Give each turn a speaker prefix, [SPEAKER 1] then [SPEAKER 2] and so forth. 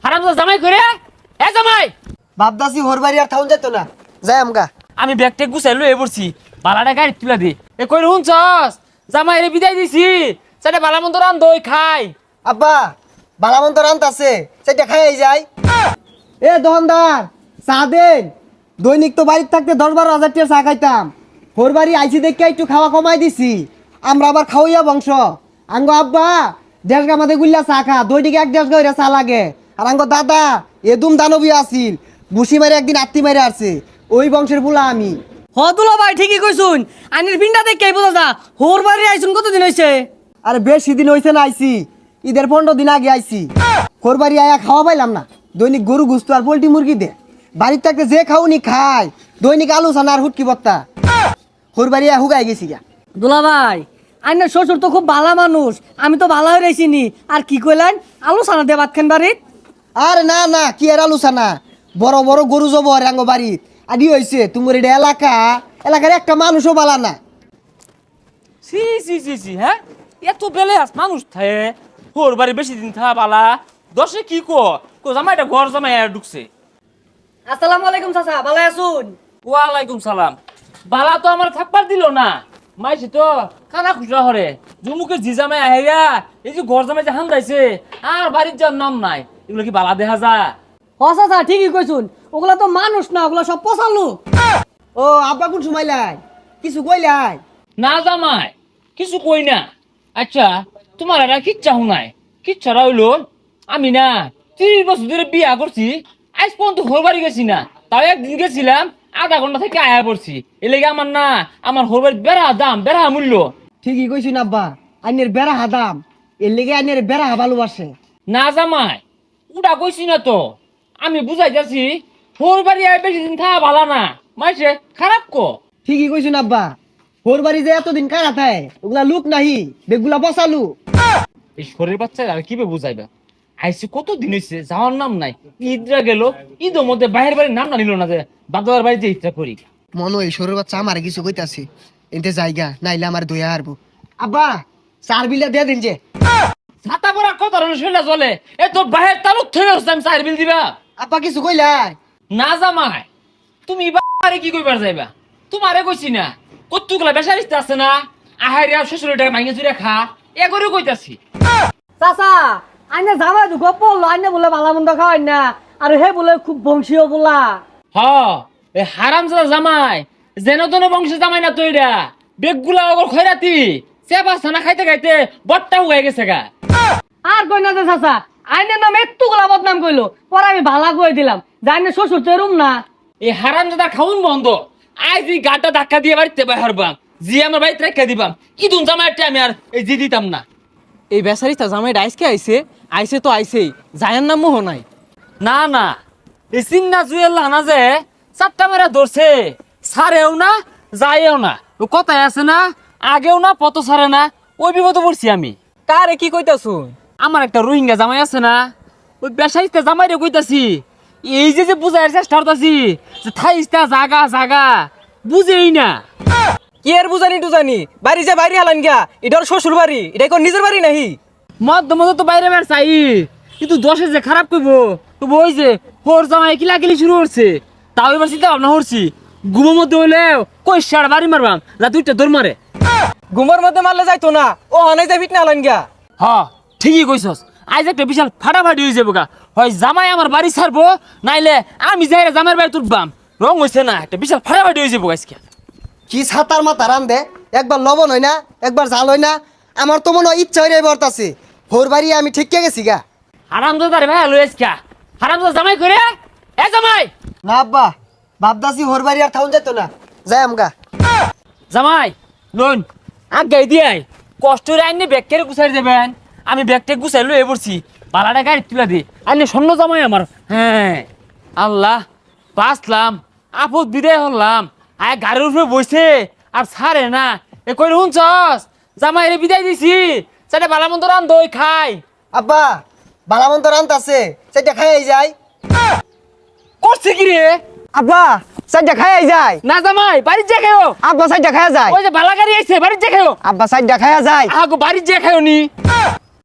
[SPEAKER 1] হারামজাদা জামাই করে এ জামাই
[SPEAKER 2] বাপদাসি হোর বাড়ি আর থাউন যেত না যাই আমগা।
[SPEAKER 1] আমি ব্যাগটা গুছাই লয়ে পড়ছি বালাটা গাড়ি তুলা দি এ কই হুনছস জামাই রে বিদায় দিছি সেটা বালা মন্দ রান দই খাই
[SPEAKER 2] আব্বা বালামন্ত রান্ত আছে সেটা খাই যাই। এ দোকানদার চা দেন। দৈনিক তো বাড়িতে থাকতে 10-12 হাজার টাকা চা খাইতাম। হোর বাড়ি আইছি দেখে একটু খাওয়া কমাই দিছি। আমরা আবার খাওয়াইয়া বংশ। আঙ্গ আব্বা 1.5 গা মাঝে গুল্লা চা খা, দৈনিক 1-1.5 গা চা লাগে। আর আঙ্গ দাদা এদুম দানবী আছিল, বুসি মারে একদিন আত্মি মারে আসছে। ওই বংশের বুলা আমি।
[SPEAKER 3] হতুলা ভাই ঠিকই কইছুন, আনির পিন্ডা দেখে বোঝা যা হোর বাড়ি আইছুন কতদিন হইছে?
[SPEAKER 2] আরে বেশি দিন হইছে না আইছি, ঈদের 15 দিন আগে আইছি। হোর বাড়ি আয়া খাওয়া পাইলাম না। দৈনিক গরু গুস্ত আর পোল্ট্রি মুরগি দে। বাড়ির থাকতে যে খাওনি খায়, দৈনিক আলু সানা আর হুটকি বত্তা। হোর বাড়ি আয়া হুগাই গেছি গা।
[SPEAKER 3] দুলা ভাই আইনের শ্বশুর তো খুব ভালো মানুষ, আমি তো ভালো হয়ে রইছিনি। আর কি কইলেন আলু সানা দিয়ে ভাত খান বাড়িত?
[SPEAKER 2] আরে না না, কি আর আলু সানা, বড় বড় গরু জব রাঙ্গ বাড়িত। আদি হইছে তোমার এটা এলাকার একটা মানুষও বালা না।
[SPEAKER 1] সি সি সি সি হ্যাঁ এত বেলে আস মানুষ থাকে হোর বাড়ি বেশি দিন থা বালা দশে কি কো জামাইটা ঘর জামাই আর ঢুকছে।
[SPEAKER 3] আসসালামু আলাইকুম চাচা, ভালো আছুন?
[SPEAKER 1] ওয়ালাইকুম সালাম। বালা তো আমার থাকবার দিল না, মাইছে তো খানা খুচরা হরে জুমুকে জি জামাই আহেরা এই যে ঘর জামাই যে হান যাইছে আর বাড়ির যার নাম নাই, এগুলো কি বালা দেখা যা?
[SPEAKER 3] হ চাচা ঠিকই কইছুন, ওগুলা তো মানুষ না, ওগুলা সব পচালু।
[SPEAKER 2] ও আব্বা কোন সময় লাই কিছু কইলাই?
[SPEAKER 1] না জামাই কিছু কই না। আচ্ছা তোমার এরা কিচ্ছা হুনাই কিচ্ছারা হইলো আমি না 30 বছর ধরে বিয়া করছি, আজ পর্যন্ত হোর বাড়ি গেছি না। তাও একদিন গেছিলাম, আধা ঘন্টা থেকে আয়া পড়ছি। এ লেগে আমার না আমার হোর বাড়ির বেড়া দাম বেড়া মূল্য।
[SPEAKER 2] ঠিকই কইছুন আব্বা, আইনের বেড়া হাদাম, এর লেগে আইনের বেড়া ভালোবাসে।
[SPEAKER 1] না জামাই উড়া কইছি না তো, আমি বুঝাই যাচ্ছি হোর বাড়ি আয় বেশি দিন থাকা ভালো না, মাইছে খারাপ কো।
[SPEAKER 2] ঠিকই কইছুন আব্বা, হোর বাড়ি যে এতদিন কারা থায় ওগুলা লুক নাহি, বেগুলা বসালু।
[SPEAKER 1] এই শরীর বাচ্চা আর কি বুঝাইবা, আইসি কত দিন হয়েছে যাওয়ার নাম নাই। ঈদরা গেল, ঈদের মধ্যে বাইরের বাড়ির নাম না নিল না যে বাদার বাড়ি যে ইচ্ছা করি।
[SPEAKER 2] মনে হয় সরুর বাচ্চা আমার কিছু কইতাছি, এতে জায়গা নাইলে আমার দয়া হারবো। আব্বা চার বিলা দিয়ে দিন যে।
[SPEAKER 1] ছাতা পরা কত ধরনের শৈলা চলে, এ তোর বাহের তালুক থেকে হচ্ছে আমি 4 বিল দিবা।
[SPEAKER 2] আব্বা কিছু কইলাই?
[SPEAKER 1] না জামাই তুমি বাড়ি কি কইবার যাইবা, তোমারে কইছি না কতগুলা বেসারিস্তে আছে না আহারে আর শ্বশুরের টাকা ভাঙে চুরে খা এ করে কইতাছি।
[SPEAKER 3] চাচা আইনে জামাই তো গপ পড়লো, আইনে বলে ভালো মন্দ খাওয়াই না, আর হে বলে খুব বংশীয় বলা।
[SPEAKER 1] হ এ হারামজাদা জামাই যেন তেন বংশের জামাই না তো এটা বেগগুলা ওগর খয়রাতি চেপা ছানা খাইতে খাইতে বট্টা হয়ে গেছে গা।
[SPEAKER 3] আর কই না যে চাচা আইনের নাম একটু গোলা বদনাম কইলো, পরে আমি ভালা কই দিলাম যে আইনের শ্বশুর তো এরম না।
[SPEAKER 1] এই হারামজাদা খাউন বন্ধ, আজ এই গাটা ধাক্কা দিয়ে বাড়িতে বাহার বাম জি আমার বাড়িতে রেখে দিবাম। ইদুন জামাইটা আমি আর এই জি দিতাম না।
[SPEAKER 4] এই বেচারিটা জামাইটা আইসকে আইসে তো আইসেই, জায়ার নাম মোহ নাই।
[SPEAKER 1] না না এই চিন্না জুয়েল না যে 4টা মেরা ধরছে, সারেও না যায়ও না, ও কথাই আছে না আগেও না পত সারে না, ওই বিপদে পড়ছি আমি।
[SPEAKER 4] কারে কি কইতাছুন?
[SPEAKER 1] আমার একটা রোহিঙ্গা জামাই আছে না, ওই বেসাইতে জামাই রে কইতাছি এই যে বুঝাইয়ের চেষ্টা করতাছি যে থাইস্তা জাগা জাগা বুঝেই না।
[SPEAKER 4] কি আর বুঝানি টুজানি, বাড়ি যে বাইরে হালান গিয়া, এটা ওর শ্বশুর বাড়ি, এটা কোন নিজের বাড়ি নাহি?
[SPEAKER 1] মধ্য মধ্য তো বাইরে বের চাই, কিন্তু দশে যে খারাপ করবো তো ওই যে হোর জামাই কিলাকিলি শুরু করছে, তাও এবার চিন্তা ভাবনা করছি ঘুমের মধ্যে হইলেও কই সার বাড়ি মারবাম যা 2টা দৌড় মারে।
[SPEAKER 4] ঘুমের মধ্যে মারলে যাইতো না, ও হানাই যাই ফিটনা হালান গিয়া।
[SPEAKER 1] হ ঠিকই কইছস, আজ একটা বিশাল ফাটাফাটি হয়ে যাবো গা, হয় জামাই আমার বাড়ি ছাড়বো নাইলে আমি যাই জামাইয়ের বাড়ি তুলবাম। রং হয়েছে না, একটা বিশাল ফাটাফাটি হয়ে যাবো আজকে।
[SPEAKER 2] কি ছাতার মাথা রান দে, একবার লবণ হয় না একবার জাল হয় না। আমার তো মনে হয় ইচ্ছা হয়ে বর্তাছে, হোর বাড়ি আমি ঠিক গেছি গা।
[SPEAKER 1] হারামজাদা রে ভাই লই আজকে হারামজাদা জামাই করে এ জামাই।
[SPEAKER 2] না আব্বা বাপদাসি হোর বাড়ি আর থাউন যেত না, যাই আমগা।
[SPEAKER 1] জামাই লোন আগে দিয়াই কষ্ট রে আইনে ব্যাগ কেড়ে গুছাই দেবেন, আমি ব্যাগটা গুছাই লয়ে পড়ছি বালাটা গাড়ি তুলা দি আইনে স্বর্ণ জামাই আমার। হ্যাঁ আল্লাহ বাঁচলাম, আপদ বিদায় হলাম। আয় গাড়ির উপরে বসে আর ছাড়ে না, এ কই শুনছস জামাই রে বিদায় দিছি সেটা বালা মন্দ রান দই খাই।
[SPEAKER 2] আব্বা বালামন্ত রান্ত আছে সেটা খাই যায়।
[SPEAKER 1] করছে কি রে?
[SPEAKER 2] আব্বা সাইডটা খাই যায়।
[SPEAKER 1] না জামাই বাড়ির যে খাও।
[SPEAKER 2] আব্বা সাইডটা খাই যায়।
[SPEAKER 1] ওই যে বালা গাড়ি আইছে বাড়ির যে খাও।
[SPEAKER 2] আব্বা সাইডটা খাই যায়।
[SPEAKER 1] আগো বাড়ির যে খাও নি।